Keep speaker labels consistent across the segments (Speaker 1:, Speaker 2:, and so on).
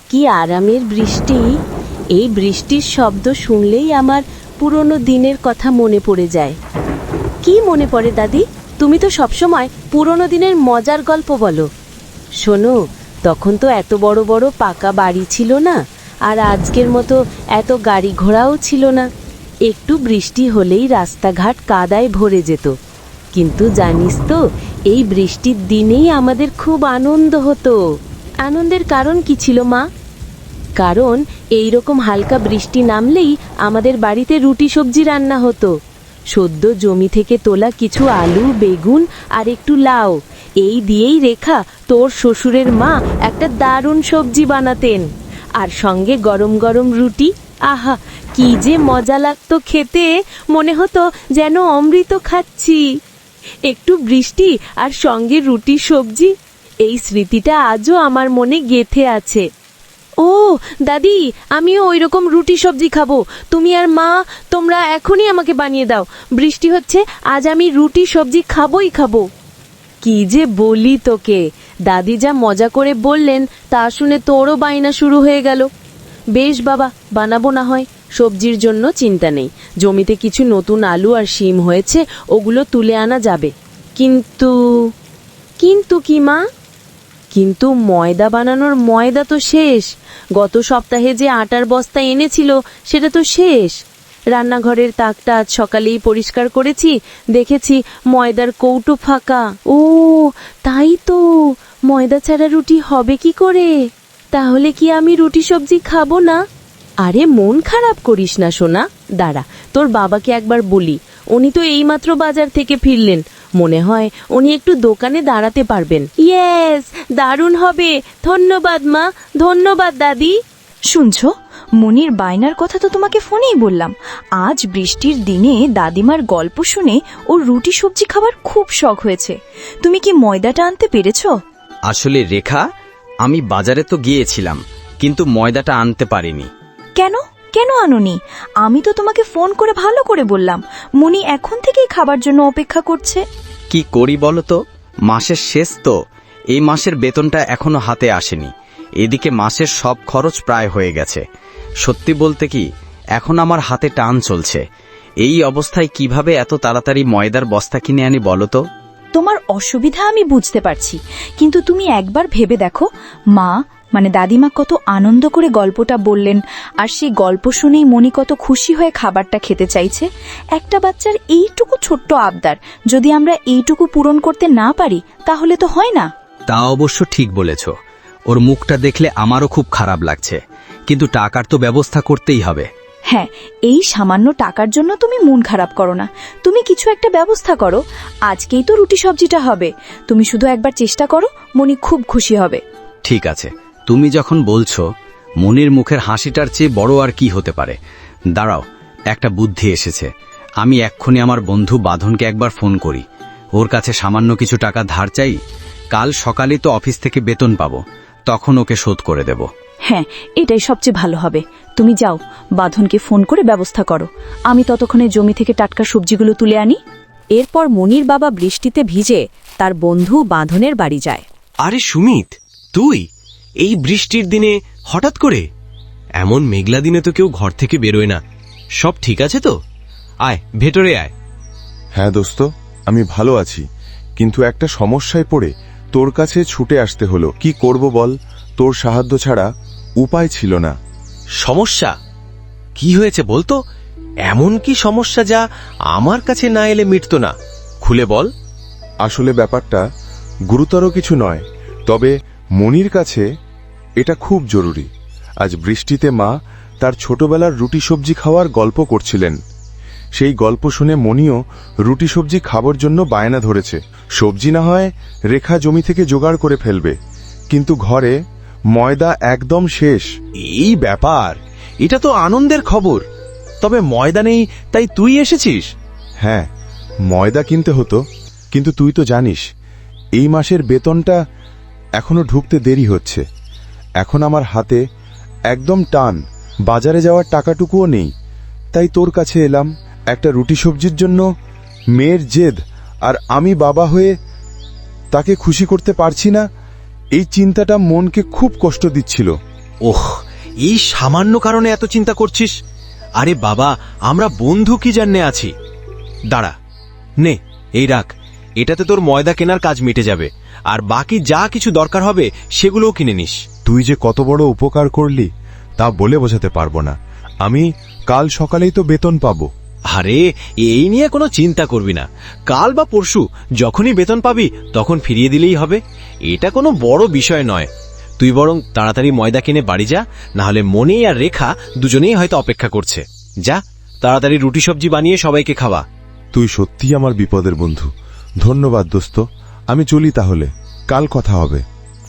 Speaker 1: কি আরামের বৃষ্টি! এই বৃষ্টির শব্দ শুনলেই আমার পুরনো দিনের কথা মনে পড়ে যায়। কি মনে পড়ে দাদি? তুমি তো সবসময় পুরনো দিনের মজার গল্প বলো। শোনো, তখন তো এত বড় বড় পাকা বাড়ি ছিল না, আর আজকের মতো এত গাড়ি ঘোড়াও ছিল না। একটু বৃষ্টি হলেই রাস্তাঘাট কাদায় ভরে যেত। কিন্তু জানিস তো, এই বৃষ্টির দিনেই আমাদের খুব আনন্দ হতো। আনন্দের কারণ কি ছিল মা? কারণ এই রকম হালকা বৃষ্টি নামলেই আমাদের বাড়িতে রুটি সবজি রান্না হতো। সদ্য জমি থেকে তোলা কিছু আলু, বেগুন আর একটু লাউ, এই দিয়েই রেখা তোর শ্বশুরের মা একটা দারুণ সবজি বানাতেন। আর সঙ্গে গরম গরম রুটি, আহা কি যে মজা লাগতো খেতে! মনে হতো যেন অমৃত খাচ্ছি। একটু বৃষ্টি আর সঙ্গে রুটি সবজি, এই স্মৃতিটা আজও আমার মনে গেঁথে আছে। ও দাদি, আমিও ওই রকম রুটি সবজি খাবো। তুমি আর মা, তোমরা এখনই আমাকে বানিয়ে দাও। বৃষ্টি হচ্ছে, আজ আমি রুটি সবজি খাবোই খাবো। কি যে বলি তোকে! দাদি যা মজা করে বললেন তা শুনে তোরও বায়না শুরু হয়ে গেল। বেশ বাবা, বানাবো না হয়। সবজির জন্য চিন্তা নেই, জমিতে কিছু নতুন আলু আর শিম হয়েছে, ওগুলো তুলে আনা যাবে। কিন্তু কিন্তু কি মা? কিন্তু ময়দা বানানোর ময়দা তো শেষ। গত সপ্তাহে যে আটার বস্তা এনেছিল সেটা তো শেষ। রান্নাঘরের তাকটা আজ সকালেই পরিষ্কার করেছি, দেখেছি ময়দার কৌটো ফাঁকা। ও তাই তো, ময়দা ছাড়া রুটি হবে কি করে? তাহলে কি আমি রুটি সবজি খাবো না? আরে মন খারাপ করিস না সোনা, দাঁড়া তোর বাবাকে একবার বলি। উনি তো এইমাত্র বাজার থেকে ফিরলেন, মনে হয় উনি একটু দোকানে দাঁড়াতে পারবেন। ইয়েস, দারুণ হবে। ধন্যবাদ মা, ধন্যবাদ দাদি।
Speaker 2: শুনছো, মনির বায়নার কথা তো তোমাকে ফোনেই বললাম। আজ বৃষ্টির দিনে দাদিমার গল্প শুনে ওর রুটি সবজি খাবার খুব শখ হয়েছে। তুমি কি ময়দাটা আনতে পেরেছো?
Speaker 3: আসলে রেখা, আমি বাজারে তো গিয়েছিলাম, কিন্তু ময়দাটা আনতে পারিনি।
Speaker 2: কেন কেন আনোনি? আমি তো তোমাকে ফোন করে ভালো করে বললাম, মনি এখন থেকেই খাবার জন্য অপেক্ষা করছে।
Speaker 3: কি করি বলো তো, মাসের শেষ তো, এই মাসের বেতনটা এখনো হাতে আসেনি। এদিকে মাসের সব খরচ প্রায় হয়ে গেছে। সত্যি বলতে কি, এখন আমার হাতে টান চলছে। এই অবস্থায় কিভাবে এত তাড়াতাড়ি ময়দার বস্তা কিনে আনি বলো তো?
Speaker 2: তোমার অসুবিধা আমি বুঝতে পারছি, কিন্তু তুমি একবার ভেবে দেখো, মা মানে দাদিমা কত আনন্দ করে গল্পটা বললেন, আর সেই গল্প শুনেই মনি কত খুশি হয়ে খাবারটা খেতে চাইছে। একটা বাচ্চার এইটুকু ছোট্ট আবদার যদি আমরা এইটুকু পূরণ করতে না পারি, তাহলে তো হয় না।
Speaker 3: তা অবশ্য ঠিক বলেছ। ওর মুখটা দেখলে আমারও খুব খারাপ লাগছে, কিন্তু টাকার তো ব্যবস্থা করতেই হবে।
Speaker 2: হ্যাঁ, এই সামান্য টাকার জন্য তুমি মন খারাপ করো না। তুমি কিছু একটা ব্যবস্থা করো। আজকেই তো রুটি সবজিটা হবে, তুমি শুধু একবার চেষ্টা করো, মনি খুব খুশি হবে।
Speaker 3: ঠিক আছে, তুমি যখন বলছো, মনির মুখের হাসিটার চেয়ে বড় আর কি হতে পারে। দাঁড়াও, একটা বুদ্ধি এসেছে। আমি এক্ষুনি আমার বন্ধু বাঁধনকে একবার ফোন করি। ওর কাছে সামান্য কিছু টাকা ধার চাই। কাল সকালে তো অফিস থেকে বেতন পাবো, তখন ওকে শোধ করে দেব।
Speaker 2: হ্যাঁ, এটাই সবচেয়ে ভালো হবে। তুমি যাও, বাঁধনকে ফোন করে ব্যবস্থা করো। আমি ততক্ষণে জমি থেকে টাটকা সবজিগুলো তুলে আনি।
Speaker 4: এরপর মনির বাবা বৃষ্টিতে ভিজে তার বন্ধু বাঁধনের বাড়ি যায়।
Speaker 5: আরে সুমিত, তুই এই বৃষ্টির দিনে হঠাৎ করে? এমন মেঘলা দিনে তো কেউ ঘর থেকে বেরোয় না। সব ঠিক আছে তো? আয়, ভেতরে আয়।
Speaker 6: হ্যাঁ দোস্ত, আমি ভালো আছি, কিন্তু একটা সমস্যায় পড়ে তোর কাছে ছুটে আসতে হলো। কি করব বল, তোর সাহায্য ছাড়া উপায় ছিল না।
Speaker 5: সমস্যা? কি হয়েছে বলতো? এমন কি সমস্যা যা আমার কাছে না এলে মিটত না? খুলে বল।
Speaker 6: আসলে ব্যাপারটা গুরুতর কিছু নয়, তবে মনির কাছে এটা খুব জরুরি। আজ বৃষ্টিতে মা তার ছোটবেলার রুটি সবজি খাওয়ার গল্প করছিলেন। সেই গল্প শুনে মনিও রুটি সবজি খাবার জন্য বায়না ধরেছে। সবজি না হয় রেখা জমি থেকে জোগাড় করে ফেলবে, কিন্তু ঘরে ময়দা একদম শেষ।
Speaker 5: এই ব্যাপার, এটা তো আনন্দের খবর। তবে ময়দা নেই, তাই তুই এসেছিস?
Speaker 6: হ্যাঁ, ময়দা কিনতে হতো, কিন্তু তুই তো জানিস এই মাসের বেতনটা এখনো ঢুকতে দেরি হচ্ছে। এখন আমার হাতে একদম টান, বাজারে যাওয়ার টাকাটুকুও নেই। তাই তোর কাছে এলাম। একটা রুটি সবজির জন্য মেয়ের জেদ, আর আমি বাবা হয়ে তাকে খুশি করতে পারছি না, এই চিন্তাটা মনকে খুব কষ্ট দিচ্ছিল।
Speaker 5: ওহ, এই সামান্য কারণে এত চিন্তা করছিস? আরে বাবা, আমরা বন্ধু কি জান্নে আছি। দাঁড়া, নে এই রাখ, এটাতে তোর ময়দা কেনার কাজ মিটে যাবে, আর বাকি যা কিছু দরকার হবে সেগুলোও কিনে নিস।
Speaker 6: তুই যে কত বড় উপকার করলি তা বলে বোঝাতে পারবো না। আমি কাল সকালেই তো বেতন পাবো।
Speaker 5: আরে এই নিয়ে কোনো চিন্তা করবি না, কাল বা পরশু যখনই বেতন পাবি তখন ফিরিয়ে দিলেই হবে। এটা কোনো বড় বিষয় নয়। তুই বরং তাড়াতাড়ি ময়দা কিনে বাড়ি যা, না হলে মনি আর রেখা দুজনেই হয়তো অপেক্ষা করছে। যা, তাড়াতাড়ি রুটি সবজি বানিয়ে সবাইকে খাওয়া।
Speaker 6: তুই সত্যিই আমার বিপদের বন্ধু। ধন্যবাদ দোস্ত। আমি চলি তাহলে, কাল কথা হবে।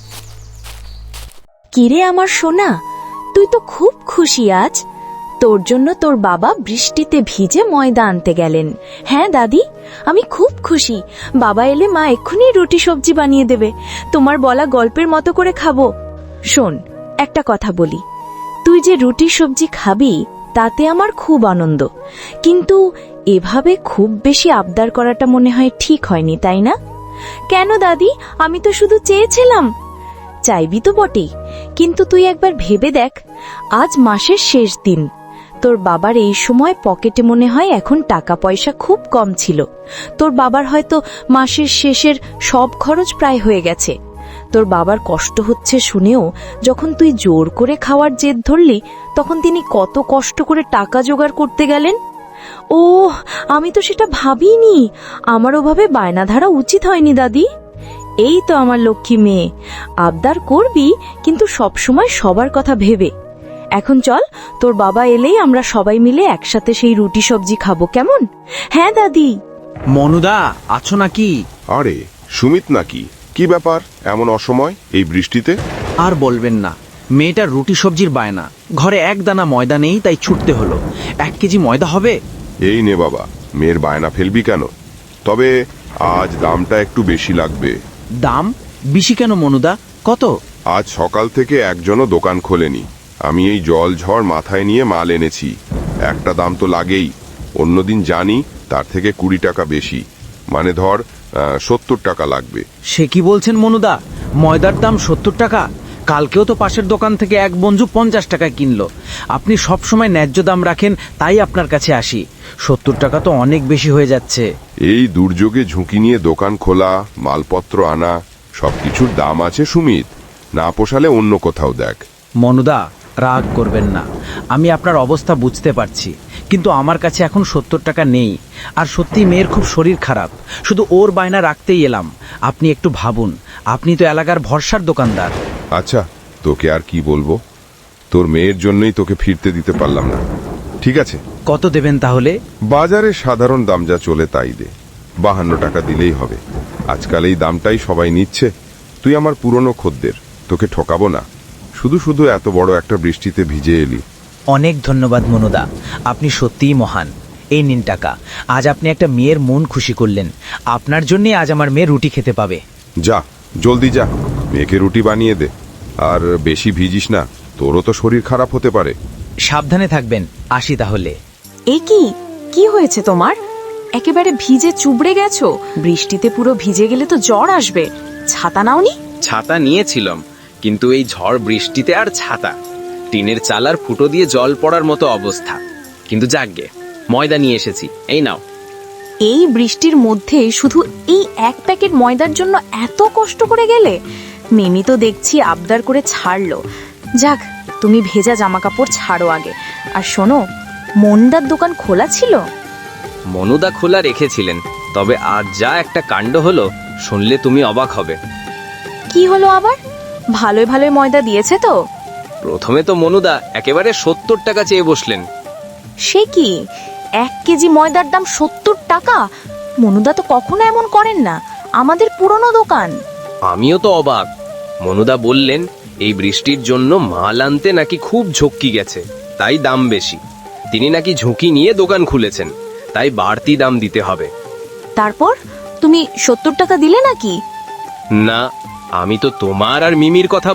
Speaker 1: কিরে আমার সোনা, তুই তো খুব খুশি আজ। তোর জন্য তোর বাবা বৃষ্টিতে ভিজে ময়দা আনতে গেলেন। হ্যাঁ দাদি, আমি খুব খুশি। বাবা এলে মা এক্ষুনি রুটি সবজি বানিয়ে দেবে। তোমার বলা গল্পের মতো করে খাবো। শোন, একটা কথা বলি, তুই যে রুটি সবজি খাবি তাতে আমার খুব আনন্দ, কিন্তু এভাবে খুব বেশি আবদার করাটা মনে হয় ঠিক হয়নি, তাই না? কেন দাদি, আমি তো শুধু চেয়েছিলাম। চাইবি তো বটেই, কিন্তু তুই একবার ভেবে দেখ, আজ মাসের শেষ দিন। তোর বাবার এই সময় পকেটে মনে হয় এখন টাকা পয়সা খুব কম ছিল। তোর বাবার হয়তো মাসের শেষের সব খরচ প্রায় হয়ে গেছে। তোর বাবার কষ্ট হচ্ছে শুনেও যখন তুই জোর করে খাওয়ার জেদ ধরলি, তখন তিনি কত কষ্ট করে টাকা জোগাড় করতে গেলেন। ও, আমি তো সেটা ভাবিনি। আমার ওভাবে বায়না ধরা উচিত হয়নি দাদি। এই তো আমার লক্ষ্মী মেয়ে, আবদার করবি কিন্তু সবসময় সবার কথা ভেবে। এখন চল, তোর বাবা এলেই আমরা সবাই মিলে একসাথে সেই রুটি সবজি খাবো, কেমন? হ্যাঁ দাদি।
Speaker 5: মনুদা, আছো নাকি?
Speaker 7: আরে সুমিত নাকি? কি ব্যাপার এমন অসময় এই বৃষ্টিতে?
Speaker 8: আর বলবেন না, মেয়েটার রুটি সবজির বায়না। ঘরে এক দানা ময়দা নেই, তাই ছুটতে হলো। 1 কেজি ময়দা হবে?
Speaker 7: এই নে বাবা, মেয়ের বায়না ফেলবি কেন? তবে আজ দামটা একটু বেশি লাগবে।
Speaker 8: দাম বেশি কেন মনুদা? কত?
Speaker 7: আজ সকাল থেকে একজনও দোকান খোলেনি। আমি এই জল ঝড় মাথায় নিয়ে মাল এনেছি, একটা দাম তো লাগেই। অন্যদিন জানি তার থেকে 20 টাকা বেশি, মানে ধর 70 টাকা লাগবে।
Speaker 8: সে কি বলছেন মনুদা? ময়দার দাম 70 টাকা? কালকেও তো পাশের দোকান থেকে এক বন্ধু 50 টাকায় কিনলো। আপনি সব সময় ন্যায্য দাম রাখেন, তাই আপনার কাছে আসি। 70 টাকা তো অনেক বেশি হয়ে যাচ্ছে।
Speaker 7: এই দুর্যোগে ঝুঁকি নিয়ে দোকান খোলা, মালপত্র আনা, সবকিছুর দাম আছে সুমিত। না পোষালে অন্য কোথাও দেখ।
Speaker 8: মনুদা, রাগ করবেন না, আমি আপনার অবস্থা বুঝতে পারছি, কিন্তু আমার কাছে এখন 70 টাকা নেই। আর সত্যি মেয়ের খুব শরীর খারাপ, শুধু ওর বায়না রাখতেই এলাম। আপনি একটু ভাবুন, আপনি তো এলাকার ভরসার দোকানদার।
Speaker 7: আচ্ছা, তোকে আর কি বলবো, তোর মেয়ের জন্যই তোকে ফিরতে দিতে পারলাম না। ঠিক আছে,
Speaker 8: কত দেবেন তাহলে?
Speaker 7: বাজারে সাধারণ দাম যা চলে তাই দে, 52 টাকা দিলেই হবে। আজকাল এই দামটাই সবাই নিচ্ছে। তুই আমার পুরনো খদ্দের, তোকে ঠকাবো না। শুধু শুধু এত বড় একটা বৃষ্টিতে ভিজে এলি।
Speaker 8: অনেক ধন্যবাদ মনুদা, আপনি সত্যিই মহান। এই নিন টাকা, আজ আপনি একটা মেয়ের মন খুশি করলেন। আপনার জন্যই আজ আমার মেয়ে রুটি খেতে পাবে।
Speaker 7: যা, জলদি যা, মেয়েকে রুটি বানিয়ে দে। আর বেশি ভিজিস না, তোরও তো শরীর খারাপ হতে পারে।
Speaker 8: সাবধানে থাকবেন, আসি তাহলে।
Speaker 2: এ কি হয়েছে তোমার? একেবারে ভিজে চুবড়ে গেছো। বৃষ্টিতে পুরো ভিজে গেলে তো জ্বর আসবে। ছাতা নাওনি?
Speaker 5: ছাতা নিয়েছিলাম, কিন্তু এই ঝড় বৃষ্টিতে আর ছাতা, টিনের চালার ফুটো দিয়ে জল পড়ার মতো অবস্থা। কিন্তু যাকগে, ময়দা নিয়ে এসেছি, এই নাও।
Speaker 2: এই বৃষ্টির মধ্যে শুধু এই 1 প্যাকেট ময়দার জন্য এত কষ্ট করে গেলে? মিমি তো দেখছি আবদার করে ছাড়লো। যাক, তুমি ভেজা জামা কাপড় ছাড়ো আগে। আর শোনো, মন্দার দোকান খোলা ছিল?
Speaker 5: মনুদা খোলা রেখেছিলেন, তবে আজ যা একটা কাণ্ড হলো, শুনলে তুমি অবাক হবে।
Speaker 2: কি হলো আবার? ভালোই ভালোই ময়দা দিয়েছে তো?
Speaker 5: প্রথমে তো মনুদা একেবারে 70 টাকা চেয়ে বসলেন।
Speaker 2: সে কি, 1 কেজি ময়দার দাম 70 টাকা? মনুদা তো কখনো এমন করেন না, আমাদের পুরনো দোকান।
Speaker 5: আমিও তো অবাক। মনুদা বললেন এই বৃষ্টির জন্য মাল আনতে নাকি খুব ঝক্কি গেছে, তাই দাম বেশি। তিনি নাকি ঝুঁকি নিয়ে দোকান খুলেছেন, তাই বাড়তি দাম দিতে হবে।
Speaker 2: তারপর তুমি 70 টাকা দিলে নাকি?
Speaker 5: না, আমি তো তোমার আর মিমির কথা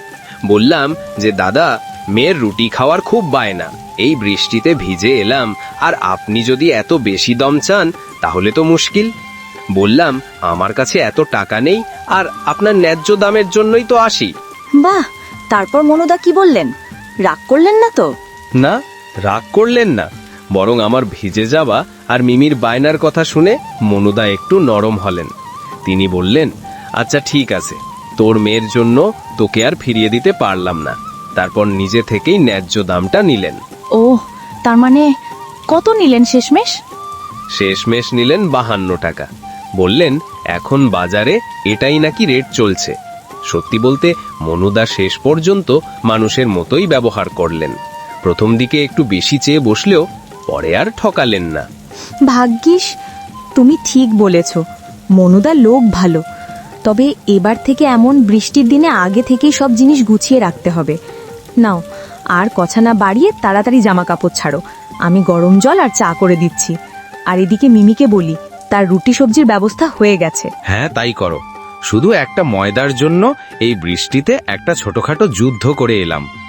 Speaker 5: বললাম যে দাদা, মেয়ের রুটি খাওয়ার খুব বায়না, এই বৃষ্টিতে ভিজে এলাম, আর আপনি যদি এত বেশি দাম চান তাহলে তো মুশকিল। বললাম আমার কাছে এত টাকা নেই, আর আপনার ন্যায্য দামের জন্যই তো আসি।
Speaker 2: বাহ,
Speaker 4: তারপর মনুদা কি বললেন? রাগ করলেন না তো?
Speaker 9: না, রাগ করলেন না, বরং আমার ভিজে যাওয়া আর মিমির বায়নার কথা শুনে মনুদা একটু নরম হলেন। তিনি বললেন, আচ্ছা ঠিক আছে, তোর মেয়ের জন্য তোকে আর ফিরিয়ে দিতে পারলাম না। তারপর নিজে থেকেই ন্যায্য দামটা নিলেন।
Speaker 2: ও, তার মানে কত নিলেন শেষমেশ?
Speaker 9: শেষমেশ নিলেন 52 টাকা। বললেন এখন বাজারে এটাই নাকি রেট চলছে। সত্যি বলতে মনুদা শেষ পর্যন্ত মানুষের মতোই ব্যবহার করলেন। প্রথম দিকে একটু বেশি চেয়ে বসলেও পরে আর ঠকালেন না।
Speaker 4: ভাগ্যিস, তুমি ঠিক বলেছ, মনুদা লোক ভালো। তবে এবার থেকে এমন বৃষ্টির দিনে আগে থেকেই সব জিনিস গুছিয়ে রাখতে হবে। নাও, আর কথা না বাড়িয়ে তাড়াতাড়ি জামা কাপড় ছাড়ো, আমি গরম জল আর চা করে দিচ্ছি। আর এদিকে মিমিকে বলি, তার রুটি সবজির ব্যবস্থা হয়ে গেছে।
Speaker 9: হ্যাঁ, তাই করো। শুধু একটা ময়দার জন্য এই বৃষ্টিতে একটা ছোটখাটো যুদ্ধ করে এলাম।